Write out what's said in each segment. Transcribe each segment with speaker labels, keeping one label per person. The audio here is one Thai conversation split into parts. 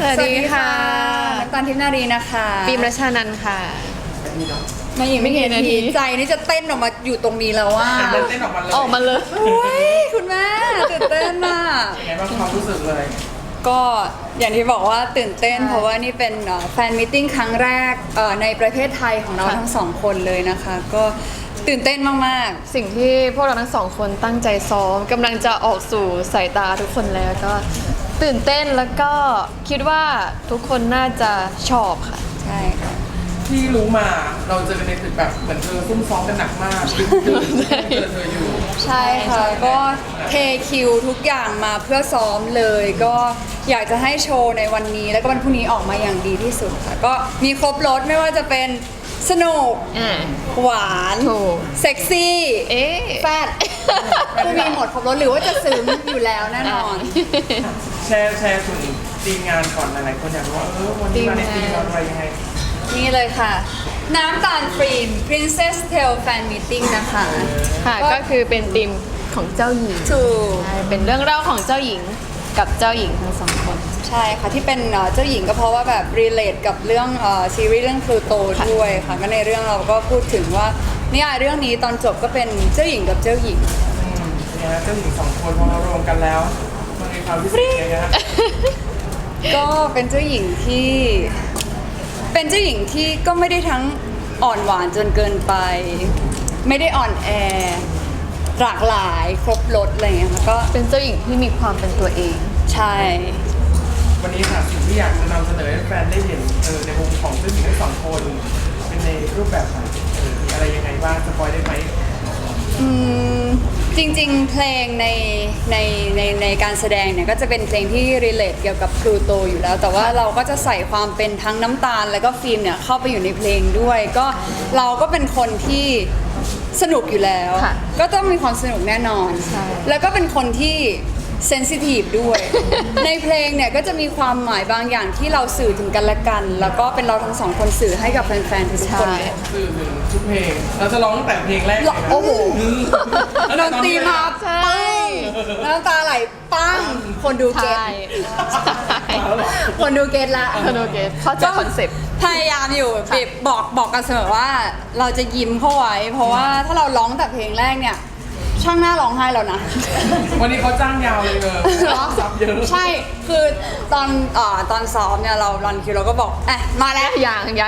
Speaker 1: วัสดีค่ะ
Speaker 2: น้ำตาลทิพย์นารีนะคะ
Speaker 1: บีมรัชานันท์ค่ะ
Speaker 2: ไม่อีกไม่กี่นาทีใจนี่จะเต้นออกมาอยู่ตรงนี้แล้วว่า
Speaker 3: เต้นออกมาเลย
Speaker 1: ออกมาเลย
Speaker 2: โอ้ยคุณแม่ตื่นเต้นมาก
Speaker 3: ยังไงบ้างความรู้สึกเลย
Speaker 2: ก็อย่างที่บอกว่าตื่นเต้น
Speaker 1: ใช่
Speaker 2: เพราะว่านี่เป็นแฟนมิทติ้งครั้งแรกในประเทศไทยของเรา
Speaker 1: ค่ะ
Speaker 2: ทั้งสองคนเลยนะคะ ก็ตื่นเต้นมาก
Speaker 1: สิ่งที่พวกเราทั้งสองคนตั้งใจซ้อมกำลังจะออกสู่สายตาทุกคนแล้วก็ตื่นเต้นแล้วก็คิดว่าทุกคนน่าจะชอบค่ะ
Speaker 2: ๆ ใช่ค่ะ
Speaker 3: ที่รู้มาเราเจอกันในตึกแบบเหมือนเธอซุ่มซ้อมกันหนักมากเจอเธออยู่
Speaker 2: ใช่ค่ะก็เทคิวทุกอย่างมาเพื่อซ้อมเลย ก็อยากจะให้โชว์ในวันนี้แล้วก็วันพรุ่งนี้ออกมาอย่างดีที่สุดค่ะก็มีครบรถไม่ว่าจะเป็นสนุก
Speaker 1: อ่า
Speaker 2: หวาน
Speaker 1: ถูก
Speaker 2: เซ็กซี่
Speaker 1: เอ๊ะ
Speaker 2: แฟดก็มีหมดครบรถหรือว่าจะซึ้งอยู่แล้วแน่นอน
Speaker 3: แชร์ถึงทีมงานก่อนหลายๆคนอยากรู้ว่าวันนี้มาในทีมเราอะไรยังไง
Speaker 2: นี่เลยค่ะ น้ำตาลฟิล์ม Princess Tale Fan Meeting นะคะ
Speaker 1: ค่ะก็คือเป็นธีมของเจ้าหญิง
Speaker 2: ถูก
Speaker 1: ใช่เป็นเรื่องเล่าของเจ้าหญิงกับเจ้าหญิงทั้งสองคน
Speaker 2: ใช่ค่ะที่เป็นเจ้าหญิงก็เพราะว่าแบบ relate กับเรื่องซีรีส์เรื่องพลูโต
Speaker 1: ค่ะ
Speaker 2: ด้วยค่ะก็ในเรื่องเราก็พูดถึงว่านิยายเรื่องนี้ตอนจบก็เป็นเจ้าหญิงกับเจ้าหญิง
Speaker 3: เนี่ยฮะเจ้าหญิงสองคนพอมารวมกันแล้วมันมีความพิเศษยังไงฮะ
Speaker 2: ก็เป็นเจ้าหญิงที่เป็นเจ้าหญิงที่ก็ไม่ได้ทั้งอ่อนหวานจนเกินไป ไม่ได้อ่อนแอหลากหลายครบรสอะไรอย่างเงี้ยค่ะก็
Speaker 1: เป็นเจ้าหญิงที่มีความเป็นตัวเอง
Speaker 2: ใช่
Speaker 3: วันนี้ค่ะสิ่งที่อยากจะนำเสนอให้แฟนได้เห็นในมุมของเจ้าหญิงทั้งสองคนเป็นในรูปแบบไหนมีอะไรยังไงบ้างสปอยได้ไหม
Speaker 2: อืมจริงๆเพลงในการแสดงเนี่ยก็จะเป็นเพลงที่ relate เกี่ยวกับพลูโตอยู่แล้ว แต่ว่าเราก็จะใส่ความเป็นทั้งน้ำตาลแล้วก็ฟิล์มเนี่ยเข้าไปอยู่ในเพลงด้วย ก็เราก็เป็นคนที่สนุกอยู่แล้ว
Speaker 1: ค่ะ
Speaker 2: ก็ต้องมีความสนุกแน่นอน
Speaker 1: ใช่
Speaker 2: แล้วก็เป็นคนที่เซนซิทีฟด้วย ในเพลงเนี่ยก็จะมีความหมายบางอย่างที่เราสื่อถึงกันและกัน แล้วก็เป็นเราทั้งสองคนสื่อให้กับแฟนๆทุกคนเลย
Speaker 3: สื่อถึงทุกเพลงเราจะร้องตั้งแต่เพลงแรกเลยนะ
Speaker 2: โอ้โห
Speaker 3: แล้ว
Speaker 2: ดนตรีมา
Speaker 1: ใช่
Speaker 2: ปึ้งน้ำตาไหลปั้งคนดูเก็ต
Speaker 1: ใช่ใช่
Speaker 2: คนดูเก็ตละ
Speaker 1: โอเคเข้าใจคอนเซ็ปต์
Speaker 2: พยายามอยู่แบบบอกกันเสมอว่าเราจะยิ้มเข้าไว้ เพราะว่าถ้าเราร้องแต่เพลงแรกเนี่ยช่างหน้าร้องไห้แล้วนะ
Speaker 3: วันนี้เขาจ้างยาวเลยซับเยอะ
Speaker 2: ใช่คือตอนซ้อมเนี่ยเรารันคิวเราก็บอกมาแล้ว
Speaker 1: อย่าง
Speaker 2: ยัง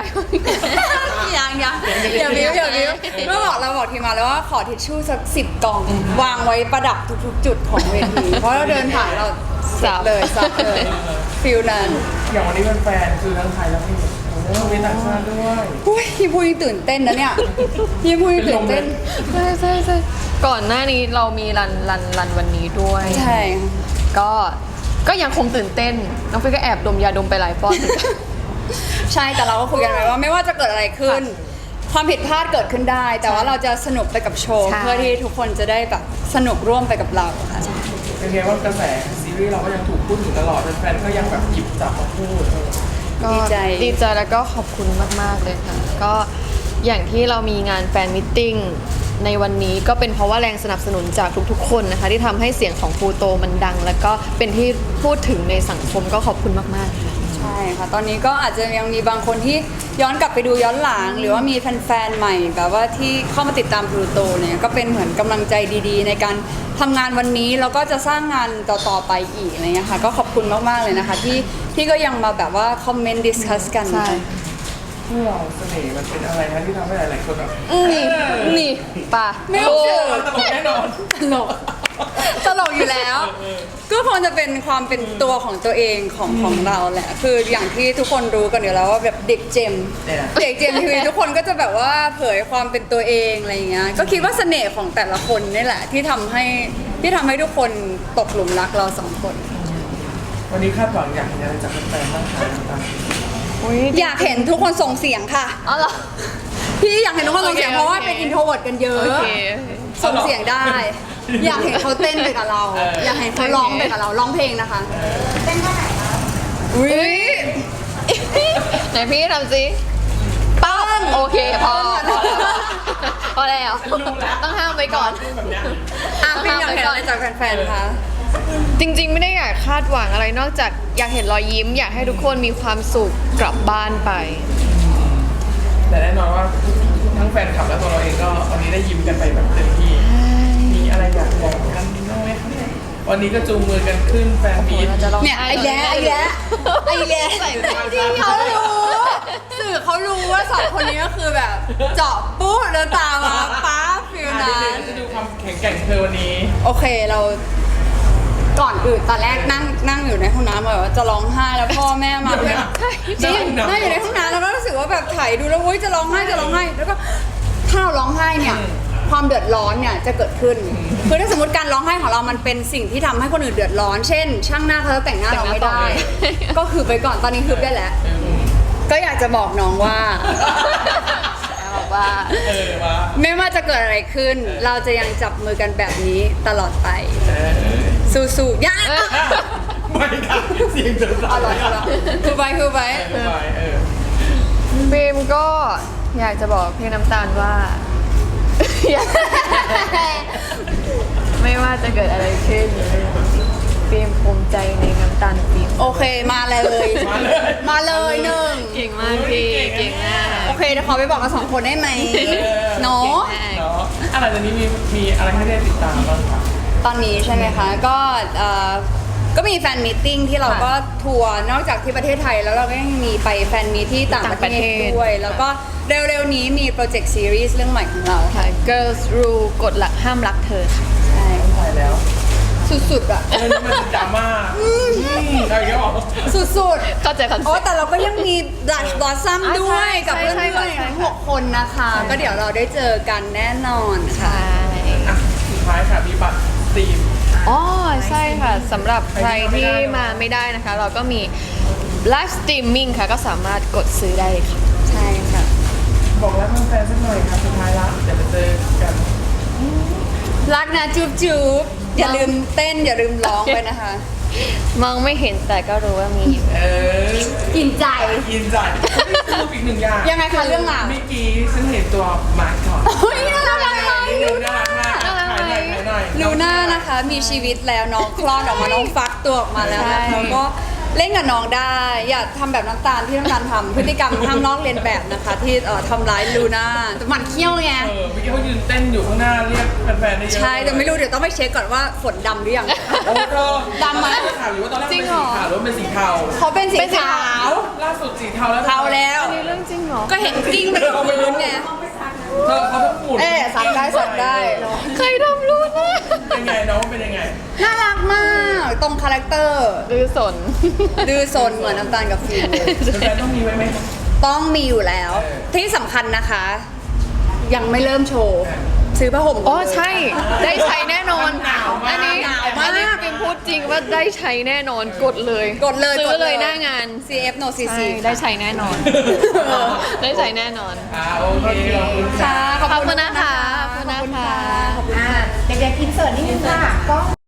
Speaker 2: เดี๋ยวบิ้วเมื่อบอกเราบอกทีมงานแล้วว่าขอทิชชู่สัก10 กล่อง วางไว้ประดับทุกๆจุดของเวที เพราะเราเดินผ่านเราซับเลยฟิลนั้น
Speaker 3: อย่างวันนี้เป็นแฟนคือทั้งไทยและพี่โอ้โหมีต่างชาติด้วย
Speaker 2: อุ้ยพี่พูดยังตื่นเต้นนะเนี่ยพี่พูดยังตื่นเต้น
Speaker 1: ใช่ก่อนหน้านี้เรามีรันวันนี้ด้วย
Speaker 2: ใช่
Speaker 1: ก็ยังคงตื่นเต้น น้องฟิกก็แอบดมยาดมไปหลายฟอน
Speaker 2: ใช่แต่เราก็คุยกันไว้ว่าไม่ว่าจะเกิดอะไรขึ้น ความผิดพลาดเกิดขึ้นได้ แต่ว่าเราจะสนุกไปกับโชว์
Speaker 1: ใช่
Speaker 2: เพื่อที่ทุกคนจะได้แบบสนุกร่วมไปกับเราค่ะ
Speaker 3: เป็นไงว่ากระแสซีรีส์เราก็ยังถูกพูดถึงตลอดแฟนๆก็ยังแบบหยิบจับมาพูด
Speaker 1: ก็
Speaker 2: ดีใจ
Speaker 1: ดีใจแล้วก็ขอบคุณมาก ๆ เลยค่ะ ก็อย่างที่เรามีงานแฟนมิทติ้งในวันนี้ก็เป็นเพราะว่าแรงสนับสนุนจากทุกๆ คนนะคะ ที่ทำให้เสียงของพลูโตมันดัง แล้วก็เป็นที่พูดถึงในสังคมก็ขอบคุณมาก ๆ ค่ะ
Speaker 2: ใช่ค่ะตอนนี้ก็อาจจะยังมีบางคนที่ย้อนกลับไปดูย้อนหลัง หรือว่ามีแฟนๆใหม่แบบว่าที่เข้ามาติดตามพลูโตเนี่ยก็เป็นเหมือนกำลังใจดีๆ ในการทำงานวันนี้แล้วก็จะสร้างงานต่อๆไปอีกอะไรเงี้ยค่ะก็ขอบคุณมากๆเลยนะคะที่ก็ยังมาแบบว่าคอมเมนต์ดิสคัสกัน
Speaker 1: ใช่
Speaker 3: เพื่อเราเสน่ห์มันเป็นอะไรนะที่ทำให้หลายๆคนแบบ
Speaker 1: นี่ป่ะ
Speaker 2: ไม่รู้สึก
Speaker 3: ตลกแน่นอน
Speaker 2: ตลกอยู่แล้ว ก็คงจะเป็นความเป็นตัวของตัวเองของเราแหละ คืออย่างที่ทุกคนรู้กันอยู่แล้วว่าแบบเด็กเจม
Speaker 3: เนี่ย
Speaker 2: เด็กเจมทีวีทุกคนก็จะแบบว่าเผยความเป็นตัวเองอะไรเงี้ยก็คิดว่าเสน่ห์ของแต่ละคนนี่แหละที่ทำให้ทุกคนตกหลุมรักเราสองคน
Speaker 3: วันนี้คาดหวังอยากเห็นอะไรจากแฟนๆบ้างคะ
Speaker 2: อยากเห็นทุกคนส่งเสียงค่ะ
Speaker 1: อ๋อเหรอ
Speaker 2: พี่อยากเห็นทุกคนส่งเสียง
Speaker 1: โอเค
Speaker 2: เพราะว่าเป็นอินโทรเวิร์ดกันเยอะ
Speaker 1: โอเค
Speaker 2: ส่งเสียงได้ อยากเห็นเขาเต้นไปกับเรา อยากเห็นเขาร้องไปกับเราร้องเพลงนะคะเต้นท่าไหนคะอุ้ย
Speaker 1: ไหนพี่ทำสิปั้งโอเคพอแล้วต้องห้ามไว้ก่อน
Speaker 3: แบบเนี้ย
Speaker 2: อ่ะพี่อยากเห็นอะไรจากแฟนๆคะ
Speaker 1: จริงๆไม่ได้อยากคาดหวังอะไรนอกจากอยากเห็นรอยยิ้ม อยากให้ทุกคนมีความสุขกลับบ้านไป
Speaker 3: แต่แน่นอนว่าทั้งแฟนคลับและตัวเราเองก็วันนี้ได้ยิ้มกันไปแบบเต็มที่มีอะไรอยากบอกกันบ้างไหมคะเนี่ยวันนี้ก็จูงมือกันขึ้นแฟนมีต
Speaker 2: เนี่ยไอ้แย่เขารู้สื่อเขารู้ว่าสองคนนี้ก็คือแบบ เจาะปุ๊บเดินตามมาป๊าฟิล
Speaker 3: นิด
Speaker 2: นั้
Speaker 3: นึง
Speaker 2: น
Speaker 3: จะดูความแข็งแกร่งเธอวันนี้
Speaker 2: โอเคเราก่อนอื่นตอนแรกนั่งอยู่ในห้องน้ำแบบว่าจะร้องไห้แล้วพ่อแม่มาเลยจริงนั่งอยู่ในห้องน้ำแล้วก็รู้สึกว่าแบบถ่ายดูแล้วโอ๊ยจะร้องไห้แล้วก็ถ้าเราร้องไห้เนี่ยความเดือดร้อนเนี่ยจะเกิดขึ้นคือถ้าสมมติการร้องไห้ของเรามันเป็นสิ่งที่ทำให้คนอื่นเดือดร้อน เช่น ช่างหน้าเขาจะแต่งหน้าเราไม่ได้ ก็คือไปก่อนตอนนี้คือได้แล้ว ก็อยากจะบอกน้องว่า
Speaker 1: บอกว่า
Speaker 3: มา
Speaker 2: ไม่ว่าจะเกิดอะไรขึ้น เราจะยังจับมือกันแบบนี้ตลอดไปสู้ๆย่า
Speaker 3: ไม่ค่ะเสียงเดือดร้อ
Speaker 2: อน ร่อยคือไป
Speaker 1: บีมก็อยากจะบอกพี่น้ำตาลว่า ไม่ว่าจะเกิดอะไรขึ้นบีมภูมิใจในน้ำตาลบีม
Speaker 2: โอเคมาเลยหนึ่ง
Speaker 1: เก่งมากพี่เก่งมาก
Speaker 2: โอเคเดี๋ยวขอไปบอกกับสองคนได้ไหมเนาะ
Speaker 3: เนาะอะไรตอนนี้มีอะไรให้ได้ติดตามบ้างคะ
Speaker 2: ตอนนี้ใช่ไหมคะก็ก็มีแฟนมีตติ้งที่เราก็ทัวร์นอกจากที่ประเทศไทยแล้วเราก็ยังมีไปแฟนมีตที่ต่างประเทศด้วย แล้วก็เร็วๆนี้มีโปรเจกต์ซีรีส์เรื่องใหม่ของเรา
Speaker 1: ค่ะ Girls Rule กฎหลักห้ามรักเธอค่ะ
Speaker 2: ใช่
Speaker 3: ถ่ายแล้ว
Speaker 2: สุดๆอะ
Speaker 3: เรื่องนี้มันจะดราม่าอะไรก็บอก
Speaker 2: สุด
Speaker 1: เข้าใจคอน
Speaker 2: ๆโอ้
Speaker 1: เซ็ปต์
Speaker 2: แต่เราก็ยังมีดัชบอสซัม
Speaker 1: อ่ะ
Speaker 2: ด้วย
Speaker 1: ใช่
Speaker 2: กับ
Speaker 1: ใช่
Speaker 2: เพื่อน
Speaker 1: ใช่
Speaker 2: ๆ
Speaker 1: ใช่
Speaker 2: ทั้ง6 คนนะคะ ก็เดี๋ยวเราได้เจอกันแน่นอนค่ะ
Speaker 1: ใช่
Speaker 3: อ่ะสุดท้ายค่ะมีบัตรสตรีม
Speaker 1: อ๋อใช่ค่ะสำหรับใครที่มาไม่ได้นะคะ เราก็มีไลฟ์สตรีมมิ่งค่ะ ก็สามารถกดซื้อได้เลยค่ะ
Speaker 2: ใช่ค่ะ
Speaker 3: บอกแล้วแฟนๆสักหน่อยครับสุดท้ายละเดี๋ยวไปเจอกัน
Speaker 2: รักนะจุ๊บจุ๊บอย่าลืมเต้นอย่าลืมร้องไปนะคะ
Speaker 1: มองไม่เห็นแต่ก็รู้ว่ามีอยู่
Speaker 3: เออ
Speaker 2: กินใจ
Speaker 3: อินใจพูดอีกหนึ่งอย่าง
Speaker 2: ยังไงคะเรื่องราว
Speaker 3: เมื่อกี้ฉันเห็นตัวมาร์คก่อน
Speaker 2: เฮ้ยน่ารักมาก
Speaker 3: นี่ดูน่ารักมากถ่ายหน่อย
Speaker 2: ลูน่านะคะมีชีวิตแล้วน้องคลอดออกมาน้องฟักตัวออกมาแล้ว
Speaker 1: ใช่
Speaker 2: นะคะก็เล่นกับน้องได้ อย่าทำแบบน้ำตาลที่น้ำตาลทำพฤติกรรมห้ามลอกเลียนแบบนะคะ ที่ทำร้ายลูน่าแต่หมันเขี้ยวไง
Speaker 3: เมื่อกี้เขายืนเต้นอยู่ข้างหน้าเรียกแฟนๆได้เยอะ
Speaker 2: ใช่แต่ไม่รู้เดี๋ยวต้องไปเช็คก่อนว่าฝนดำหรือยัง
Speaker 3: โอ้เธอ
Speaker 2: ดำไหม
Speaker 3: ถามหรือว่าตอนแรกเป็นสีขาวหรือว่าเป็นสีเทา
Speaker 2: เขาเป็นสีขาว
Speaker 3: ล่าสุดสีเทาแล้ว
Speaker 2: เทาแล้ว
Speaker 1: อันนี้เรื่องจริงเหรอ
Speaker 2: ก็เห็นกิ้งไปกับพื้นไง
Speaker 3: เธอเขาต้องหมุน
Speaker 2: สักได้
Speaker 1: ใครทำรู้นะ
Speaker 3: เป็นไงน้องเป็นยังไง
Speaker 2: น่ารักมากตรงคาแรคเตอร์
Speaker 1: ดื้อสน
Speaker 2: ดื้อซนเหมือนน้ำตาลกับฟิล์มเลย
Speaker 3: แฟนๆต้องมีไว้ไหม
Speaker 2: ต้องมีอยู่แล้ว ที่สำคัญนะคะ ยังไม่เริ่มโชว์ ซื้อผ้าห่ม
Speaker 1: อ๋อใช่ ได้ใช้แน่นอน อันนี้
Speaker 2: หนาวมาก
Speaker 1: อันนี้เป็นพูดจริงว่าได้ใช้แน่นอนกดเลย
Speaker 2: กดเลย
Speaker 1: ซื้
Speaker 2: ก
Speaker 1: อ
Speaker 2: ด
Speaker 1: เลยหน้างาน
Speaker 2: CF no CC
Speaker 1: ใช่ได้ใช้แน่นอน ได้ใช้แน่นอน
Speaker 3: โอเคขอบคุณค่ะ
Speaker 2: ค่ะ
Speaker 1: ขอบคุณนะคะ ขอบคุณนะคะ
Speaker 2: ขอบคุณค่ะ
Speaker 4: เด็กๆอินเสิร์ตนิดนึงค่ะกล้อง